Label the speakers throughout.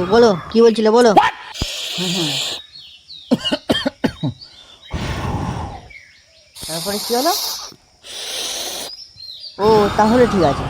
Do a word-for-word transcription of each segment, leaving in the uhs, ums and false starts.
Speaker 1: বলো কি বলছিলে বলো। হ্যাঁ হ্যাঁ, তারপরে কি হলো? ও তাহলে ঠিক আছে।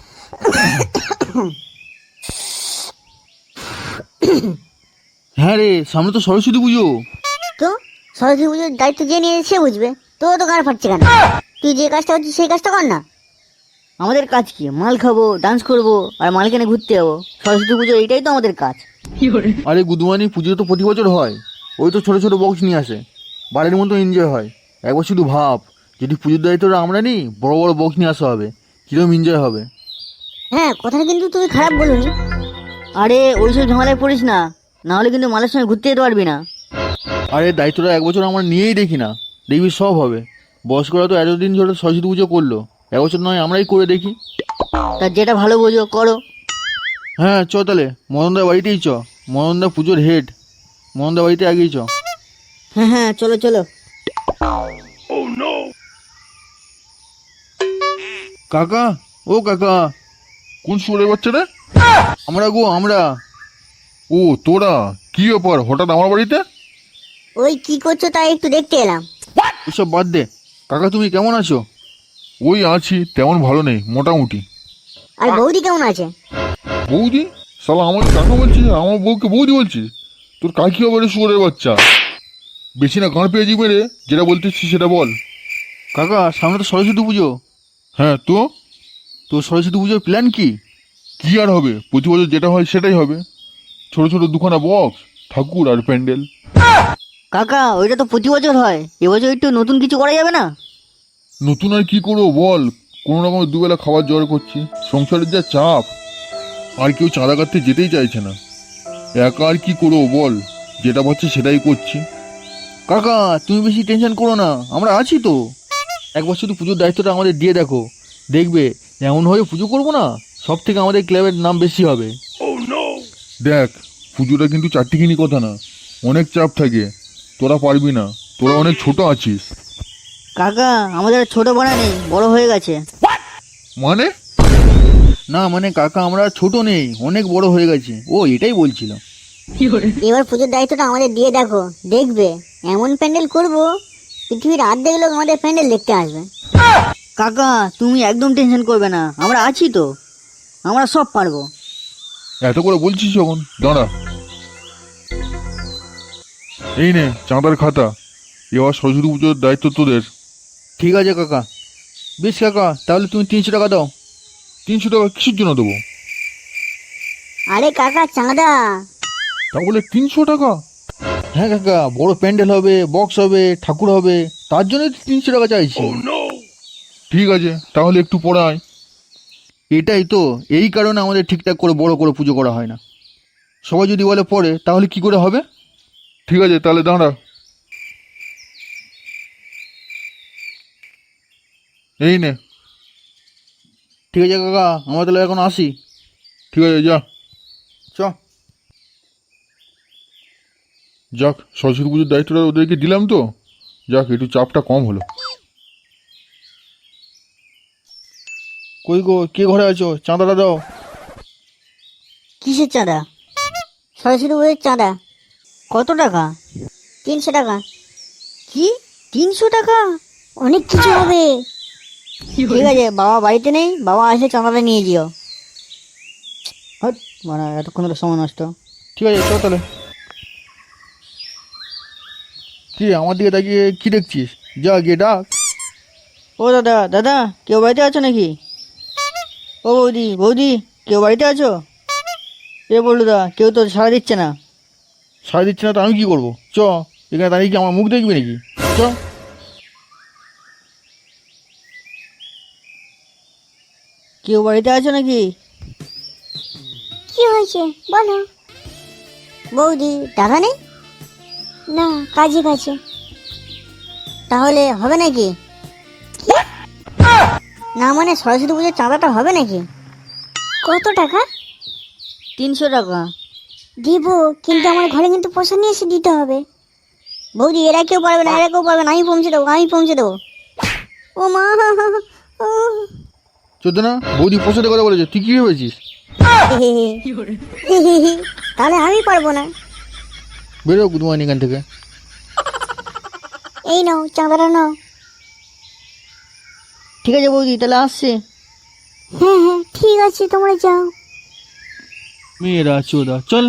Speaker 2: হ্যাঁ রে, সামনে তো সরস্বতী পুজো।
Speaker 3: তো সরস্বতী পুজোর দায়িত্ব যে নিয়ে সে বুঝবে, তোর তো গাড় ফাটছে কেন? তুই যে কাজটা হচ্ছে সেই কাজটা কর না।
Speaker 1: আমাদের কাজ কি? মাল খাবো, ডান্স করবো আর মাল কিনে ঘুরতে যাবো। সরস্বতী পুজো এইটাই তো আমাদের কাজ।
Speaker 2: আরে গুদুমানি, পুজো তো প্রতি বছর হয়। ওই তো ছোট ছোট বক্স নিয়ে আসে, বাড়ির মতো এনজয় হয়। একবার শুধু ভাব, যদি পুজোর দায়িত্বটা আমরা নিই, বড় বড় বক্স নিয়ে আসা হবে, কিরকম এনজয় হবে।
Speaker 3: হ্যাঁ, কথাটা কিন্তু তুমি খারাপ বলোনি।
Speaker 1: আরে ওইসব ঝামেলায় পড়িস না, না হলে কিন্তু মালের সঙ্গে ঘুরতে যেতে পারবি না।
Speaker 2: আরে দায়িত্বটা এক বছর আমরা নিয়েই দেখি না, দেখবি সব হবে। বয়স্করা তো এতদিন ধরে সরস্বতী পুজো করলো, এক বছর নয় আমরাই করে দেখি।
Speaker 1: তা যেটা ভালো বোঝো করো।
Speaker 2: হ্যাঁ চ তাহলে, মদনদার বাড়িতেই চ। মদনদা পুজোর হেড, মদনদার বাড়িতে আগেই চ।
Speaker 1: হ্যাঁ হ্যাঁ চলো চলো।
Speaker 2: কাকা, ও কাকা। কোন সুরের বাচ্চা রে? আমরা গো আমরা। ও তোরা, কি ব্যাপার হঠাৎ আমার বাড়িতে?
Speaker 3: ওই কি করছো তাই একটু দেখতে এলাম।
Speaker 2: ওসব বাদ দে। কাকা তুমি কেমন আছো? ওই আছি, তেমন ভালো নেই, মোটামুটি।
Speaker 3: আর বৌদি কেমন আছে?
Speaker 2: বৌদি? শালা আমাকে কাকা বলছিস, আমার বউকে বৌদি বলছিস? তোর কাকি হবে রে সুরের বাচ্চা। বেশি না গাঁড় পেয়ে যাবে রে, যেটা বলতেছিস সেটা বল। কাকা সামনে তো সরস্বতী পুজো। হ্যাঁ তো? তো সরস্বতী পুজোর প্ল্যান কি? কি আর হবে, প্রতি বছর যেটা হয় সেটাই হবে। ছোট ছোট দুখানা বক্স, ঠাকুর আর প্যান্ডেল।
Speaker 1: কাকা ওইটা তো প্রতি বছর হয়, এবছর একটু নতুন কিছু করা যাবে না?
Speaker 2: নতুন আর কি করবো বল, কোনো রকম দুবেলা খাবার জোগাড় করছি, সংসারের যা চাপ। আর কেউ চাঁদা কাটতে যেতেই চাইছে না। একা আর কি করবো বল, যেটা পাচ্ছে সেটাই করছি। কাকা তুমি বেশি টেনশন করো না, আমরা আছি তো। একবার শুধু পুজোর দায়িত্বটা আমাদের দিয়ে দেখো, দেখবে এমনভাবে পুজো করবো না, সব থেকে আমাদের ক্লাবের নাম বেশি হবে। দেখ, পুজোটা কিন্তু চারটিখানি কথা না, অনেক চাপ থাকে। তোরা পারবি না, তোরা অনেক ছোট আছিস।
Speaker 1: কাকা আমাদের আর ছোট বানা নেই, বড় হয়ে গেছে।
Speaker 2: মানে? না মানে কাকা আমরা ছোট নেই, অনেক বড় হয়ে গেছে, ও এটাই বলছিল।
Speaker 3: এবার পুজোর দায়িত্বটা আমাদের দিয়ে দেখো, দেখবে এমন প্যান্ডেল করব, পৃথিবীর অর্ধেক লোক আমাদের প্যান্ডেল দেখতে আসবে।
Speaker 1: কাকা তুমি একদম টেনশন করবে না, আমরা আছি তো, আমরা সব পারবো।
Speaker 2: এত করে বলছিস যখন, দাঁড়া। এই নে চাঁদার খাতা, এবার সরস্বতী পুজোর দায়িত্ব তোদের। ঠিক আছে কাকা। বেশ কাকা, তাহলে তুমি তিনশো টাকা দাও। তিনশো টাকা কিসের জন্য দেবো?
Speaker 3: আরে কাকা চাঁদা।
Speaker 2: তাহলে তিনশো টাকা? হ্যাঁ কাকা, বড় প্যান্ডেল হবে, বক্স হবে, ঠাকুর হবে, তার জন্য তিনশো টাকা চাইছি। ঠিক আছে, তাহলে একটু পড়াই। এটাই তো, এই কারণে আমাদের ঠিকঠাক করে বড় করে পুজো করা হয় না। সবাই যদি বলে পড়ে, তাহলে কি করে হবে? ঠিক আছে তাহলে দাঁড়া। এই নে। ঠিক আছে কাকা, আমরা তাহলে এখন আসি। ঠিক আছে যা। চ। যাক, সরস্বতী পুজোর দায়িত্বটা ওদেরকে দিলাম তো, যাক একটু চাপটা কম হলো। কই গো, কে ঘরে আছো? চাঁদাটা দাও।
Speaker 3: কিসের চাঁদা? সরস্বতী পুজোর চাঁদা।
Speaker 1: কত টাকা?
Speaker 3: তিনশো টাকা।
Speaker 1: কি তিনশো টাকা?
Speaker 3: অনেক কিছু হবে।
Speaker 1: ঠিক আছে, বাবা বাড়িতে নেই, বাবা আসলে চাঁদাটা নিয়ে যেও। হট মানে এতক্ষণ ধরে সময় নষ্ট।
Speaker 2: ঠিক আছে চল তাহলে। কি আমার দিকে তাকিয়ে কি দেখছিস? যা গিয়ে ডাক।
Speaker 1: ও দাদা দাদা, কেউ বাড়িতে আছো নাকি? ও বৌদি বৌদি, কেউ বাড়িতে আছো? এ বললো দা, কেউ তো সাড়া দিচ্ছে না।
Speaker 2: সাড়ে দিচ্ছে না তো আমি কি করবো? চ, এখানে দাঁড়িয়ে কি আমার মুখ দেখবি নাকি? চ।
Speaker 1: কেউ বাড়িতে আছো নাকি?
Speaker 3: কি হয়েছে বলো। বৌদি টাকা নেই? না, কাজে কাছে। তাহলে হবে নাকি? না মানে সরস্বতী পুজোর চাঁদাটা হবে নাকি? কত টাকা?
Speaker 1: তিনশো টাকা।
Speaker 3: দিব, কিন্তু আমার ঘরে কিন্তু পয়সা নিয়ে এসে দিতে হবে। বৌদি এরা কেউ পারবে না, এরা কেউ পারবে না, আমি পৌঁছে দেবো, আমি পৌঁছে দেবো। ও মা, ও।
Speaker 2: চোদ্দ না, বৌদি পয়সাতে কথা বলেছে, তুই কি ভেবেছিস?
Speaker 3: তাহলে আমি পারবো না।
Speaker 1: বেরো গুড মর্নিং এখান থেকে।
Speaker 3: এই নাও চাঁদাটা নাও।
Speaker 1: ঠিক আছে বৌদি, তাহলে আসছি।
Speaker 3: হ্যাঁ হ্যাঁ ঠিক আছে, তোমরা যাও।
Speaker 1: মেয়েরা চোদা, চল।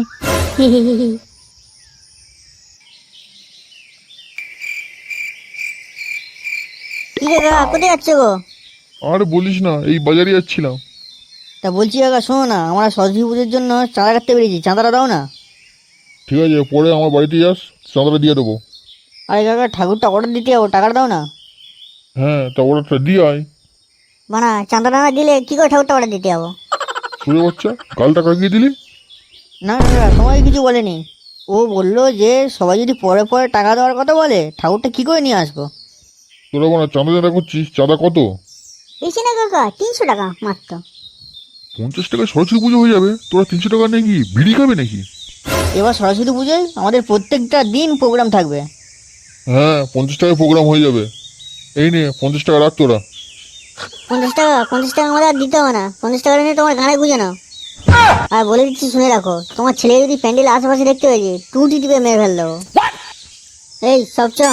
Speaker 3: কি রে কাকা, কোথায় যাচ্ছ গো?
Speaker 2: আর বলিস না, এই বাজারে যাচ্ছিলাম।
Speaker 1: তা বলছি কাকা শোনো না, আমরা সরস্বতী পুজোর জন্য চাঁদা কাটতে পেরেছি, চাঁদাটা দাও না।
Speaker 2: ঠিক আছে, পরে আমার বাড়িতে যাস, চাঁদাটা দিয়ে দেবো।
Speaker 1: আরে কাকা ঠাকুরটা অর্ডার দিতে যাবো, টাকাটা দাও না।
Speaker 2: হ্যাঁ, তা অর্ডারটা দিয়ে আয়।
Speaker 3: বানা চাঁদাটা না দিলে কি করে ঠাকুরটা অর্ডার দিতে যাবো?
Speaker 2: শুনে বাচ্চা, গালটা কাকিয়ে দিলি।
Speaker 1: না না কাকা, তোমাকে কিছু বলেনি। ও বললো যে সবাই যদি পরে পরে টাকা দেওয়ার কথা বলে ঠাকুরটা কি করে নিয়ে আসবো।
Speaker 2: তোরা মানে চাঁদা চাঁদা করছিস, চাঁদা কত?
Speaker 3: বেশি না কাকা, তিনশো টাকা মাত্র।
Speaker 2: পঞ্চাশ টাকায় সরস্বতী পুজো হয়ে যাবে, তোরা তিনশো টাকা নিয়ে কি বিড়ি খাবে নাকি?
Speaker 1: এবার সরস্বতী পুজোয় আমাদের প্রত্যেকটা দিন প্রোগ্রাম থাকবে।
Speaker 2: হ্যাঁ, পঞ্চাশ টাকায় প্রোগ্রাম হয়ে যাবে। এই নে পঞ্চাশ টাকা রাখ তোরা।
Speaker 3: পঞ্চাশ টাকা পঞ্চাশ টাকা আমাদের আর দিতে হবে না, পঞ্চাশ টাকা নিয়ে তোমার গানে গুঁজে নাও। আর বলে দিচ্ছি শুনে রাখো, তোমার ছেলে যদি প্যান্ডেল আশেপাশে দেখতে পেয়েছে টুটি টিপে মেরে ফেল দেবো। এই সব চ।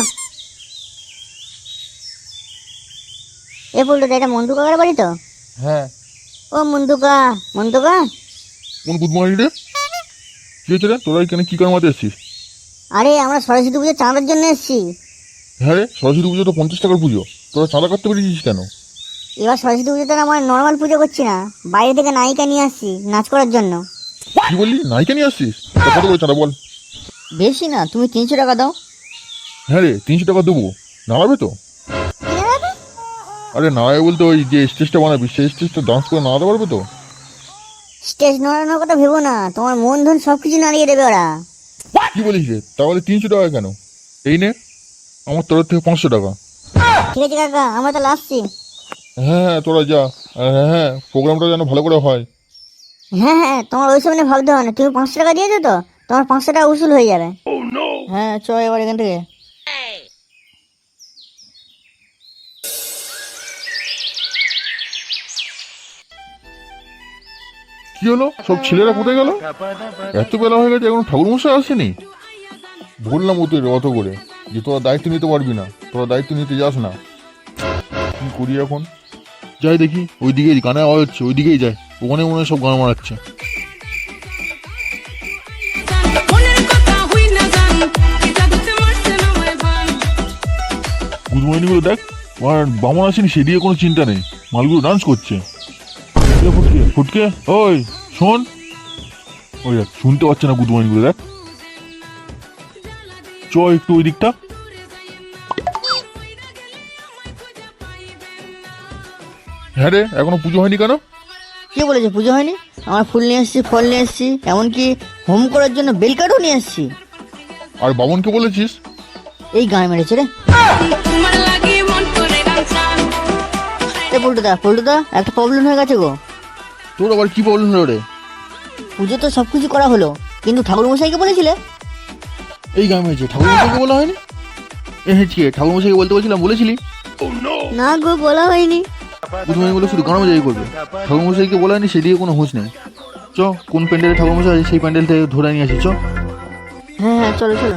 Speaker 3: এ বলতো এটা মন্দু কাকার বাড়ি তো?
Speaker 2: হ্যাঁ।
Speaker 3: ও মন্দুকা, মন্দুকা।
Speaker 2: কোন গুড মর্নিং রে? কি হয়েছে রে, তোরা এখানে কি কারমাতে এসছিস?
Speaker 3: আরে আমরা সরস্বতী পুজো চাঁদার জন্য এসেছি।
Speaker 2: হ্যাঁ রে, সরস্বতী পুজো তো পঞ্চাশ টাকার পুজো, তোরা চাঁদা কাটতে পেরেছিস কেন?
Speaker 3: এবার সরস্বতী পুজোতে আমরা নর্মাল পুজো করছি না, বাইরে থেকে নায়িকা নিয়ে আসছি নাচ করার জন্য।
Speaker 2: কি বললি, নায়িকা নিয়ে আসছিস? তা কত করে চাঁদা বল?
Speaker 1: বেশি না, তুমি তিনশো টাকা দাও।
Speaker 2: হ্যাঁ রে, তিনশো টাকা দেবো। নাড়াবে তো? আরে নাড়াবে বলতে ওই যে স্টেজটা বানাবি, সেই স্টেজটা ডান্স করে নাড়াতে পারবে তো?
Speaker 3: স্টেজ নড়ানোর কথা ভেবো না, তোমার মন ধন সব কিছু নাড়িয়ে দেবে ওরা।
Speaker 2: কি বলিস রে, তাহলে তিনশো টাকা কেন? এই নে আমার তরফ থেকে পাঁচশো টাকা।
Speaker 3: ঠিক আছে কাকা, আমরা তাহলে আসছি।
Speaker 2: হ্যাঁ হ্যাঁ, তোরা যা। আর হ্যাঁ হ্যাঁ, প্রোগ্রামটা যেন ভালো করে হয়।
Speaker 3: হ্যাঁ হ্যাঁ, তোমার ওইসব নিয়ে ভাবতে হবে না, তুমি পাঁচশো টাকা দিয়েছো তো, তোমার পাঁচশো টাকা উসুল হয়ে যাবে।
Speaker 1: হ্যাঁ চ এবার এখান থেকে।
Speaker 2: কি হলো, সব ছেলেরা কোথায় গেল? এত বেলা হয়ে গেছে, এখন ঠাকুর মশাই আসেনি। বললাম ওদের অত করে যে তোরা দায়িত্ব নিতে পারবি না, তোরা দায়িত্ব নিতে যাস না। কি করি এখন? যাই দেখি, ওইদিকে গানে আওয়াজ হচ্ছে, ওইদিকেই যাই। ওখানে মনে হয় সব গান মারাচ্ছে। গুড মর্নিং গুলো দেখ, আর বামন আসেনি সেদিকে কোনো চিন্তা নেই, মালগুলো ডান্স করছে। এ ফুটকে ফুটকে, ওই শোন। ওই দেখ, শুনতে পাচ্ছে না গুড মর্নিং গুলো, দেখ। চ একটু ওই দিকটা। হ্যাঁ রে, এখনো পুজো হয়নি কেন?
Speaker 1: কে বলেছে পুজো হয়নি? আমরা ফুল নিয়ে এসেছি, ফল নিয়ে এসেছি, এমনকি হোম করার জন্য বেলকাঠও নিয়ে এসেছি।
Speaker 2: আর বামনকে বলেছিস?
Speaker 1: এই গায়ে মেরেছে রে। এ পল্টুদা, পল্টুদা একটা প্রবলেম হয়ে গেছে গো।
Speaker 2: তোর আবার কি প্রবলেম হলো রে?
Speaker 1: পুজো তো সব কিছু করা হলো, কিন্তু ঠাকুর মশাইকে বলেছিলে?
Speaker 2: এই গান হয়েছে, ঠাকুর মশাইকে বলা হয়নি? এ হেঁচকে, ঠাকুর মশাইকে বলতে বলছিলাম, বলেছিলি?
Speaker 3: না গো, বলা হয়নি।
Speaker 2: বুধমণি বলে শুধু গান মজাই করবে, ঠাকুর মশাইকে বলা হয়নি, সেদিকে কোনো হুঁশ নেই। চ, কোন প্যান্ডেলে ঠাকুর মশাই আছে সেই প্যান্ডেল থেকে ধরে নিয়ে আসি, চ।
Speaker 1: হ্যাঁ হ্যাঁ চলো চলো।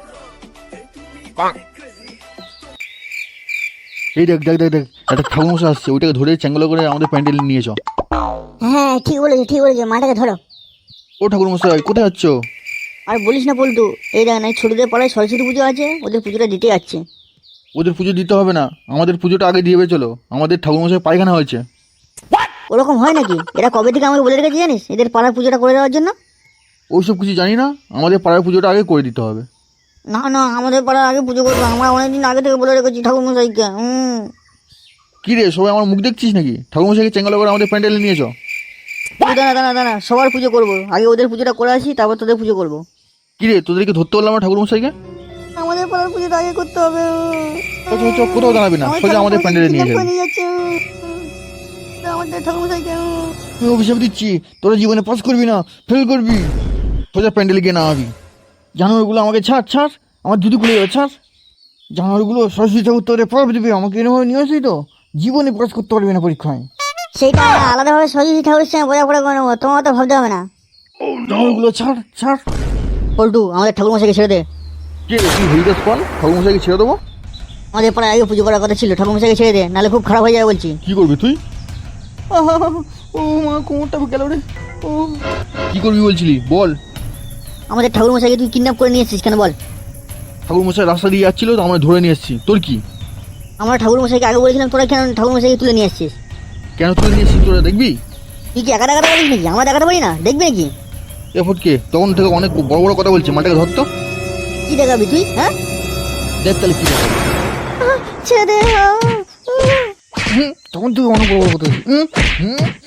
Speaker 2: এই দেখ দেখ দেখ দেখ, একটা ঠাকুর মশাই আসছে, ওইটাকে ধরে চ্যাঙ্গলা করে আমাদের প্যান্ডেলে নিয়ে চ।
Speaker 3: হ্যাঁ ঠিক বলেছো, ঠিক বলেছো, মাটাকে ধরো।
Speaker 2: ও ঠাকুর মশাই, কোথায় যাচ্ছ?
Speaker 1: আর বলিস না পল্টু, এই দেখ না, এই ছোটদের পাড়ায় সরস্বতী পুজো আছে, ওদের পুজোটা দিতে যাচ্ছে।
Speaker 2: ওদের পুজো দিতে হবে না, আমাদের পুজোটা আগে দিয়ে চলো, আমাদের ঠাকুর মশাই পায়খানা হয়েছে।
Speaker 1: ওরকম হয় নাকি? এরা কবে থেকে আমাকে বলে রেখেছে জানিস, এদের পাড়ার পুজোটা করে দেওয়ার জন্য?
Speaker 2: ওইসব কিছু জানি না, আমাদের পাড়ার পুজোটা আগে করে দিতে হবে।
Speaker 1: না না, আমাদের পাড়ার আগে পুজো করবো, আমরা অনেকদিন আগে থেকে বলে রেখেছি ঠাকুর মশাইকে। হুম।
Speaker 2: কি রে, সবাই আমার মুখ দেখছিস নাকি? ঠাকুর মশাইকে চ্যাঙ্গলা করে আমাদের প্যান্ডেলে নিয়ে চ।
Speaker 1: দাঁড়া দাঁড়া দাঁড়া, সবার পুজো করবো, আগে ওদের পুজোটা করে আসি, তারপর তোদের পুজো করবো।
Speaker 2: কি রে, তোদেরকে ধরতে বললাম না ঠাকুর মশাইকে?
Speaker 1: আমাদের পাড়ার পুজোটা আগে করতে হবে।
Speaker 2: চ, চ, চ, কোথাও দাঁড়াবি না, সোজা আমাদের প্যান্ডেলে নিয়ে যাবি।
Speaker 1: আমাদের ঠাকুর মশাইকে।
Speaker 2: আমি অভিশাপ দিচ্ছি, তোরা জীবনে পাস করবি না, ফেল করবি। সোজা প্যান্ডেলে গিয়ে নামাবি। জানোয়ারগুলো আমাকে ছাড় ছাড়, আমার দুধু খুলে যাবে, ছাড়। জানোয়ারগুলো সরস্বতী ঠাকুর তোরে পড়াবে দিবি, আমাকে এরকমভাবে নিয়ে আসি তো জীবনে পাস করতে পারবি না পরীক্ষায়।
Speaker 3: সেইটা আলাদাভাবে সরস্বতী ঠাকুরের সঙ্গে বোঝাপড়া করে নেবো, তোমার তো ভাবতে হবে না।
Speaker 1: ওগুলো ছাড় ছাড়।
Speaker 3: পল্টু, আমাদের ঠাকুর মশাইকে ছেড়ে দে।
Speaker 1: কে তুই হরিদাস পাল ঠাকুর মশাইকে ছেড়ে দেবো?
Speaker 3: আমাদের পাড়ায় আগে পুজো করার কথা ছিল, ঠাকুর মশাইকে ছেড়ে দে, নাহলে খুব খারাপ হয়ে যাবে বলছি।
Speaker 2: কি করবি তুই?
Speaker 1: ও মা, কোমরটা গেল রে। ও,
Speaker 2: কি করবি বলছিলি বল?
Speaker 3: আমাদের ঠাকুর মশাইকে তুই কিডন্যাপ করে নিয়ে এসেছিস কেন বল?
Speaker 2: ঠাকুর মশাই রাস্তা দিয়ে যাচ্ছিল তো আমরা ধরে নিয়ে এসেছি, তোর কি?
Speaker 3: আমরা ঠাকুর মশাইকে আগে বলেছিলাম, তোরা কেন ঠাকুর মশাইকে তুলে নিয়ে আসছিস?
Speaker 2: কেন তুলে নিয়ে এসেছিস তোরা দেখবি?
Speaker 3: তুই কি একা দেখাতে পারিস নাকি? আমরা দেখাতে পারি না, দেখবি নাকি?
Speaker 2: এ ফটকে তখন থেকে অনেক বড় বড় কথা বলছে, মাটাকে ধরতো।
Speaker 3: কি দেখাবি তুই? হ্যাঁ,
Speaker 2: দেখ তাহলে কি দেখাবি।
Speaker 3: ছেড়ে দে।
Speaker 2: হুম, তখন থেকে অনেক বড় বড় কথা বলছে। হুম হুম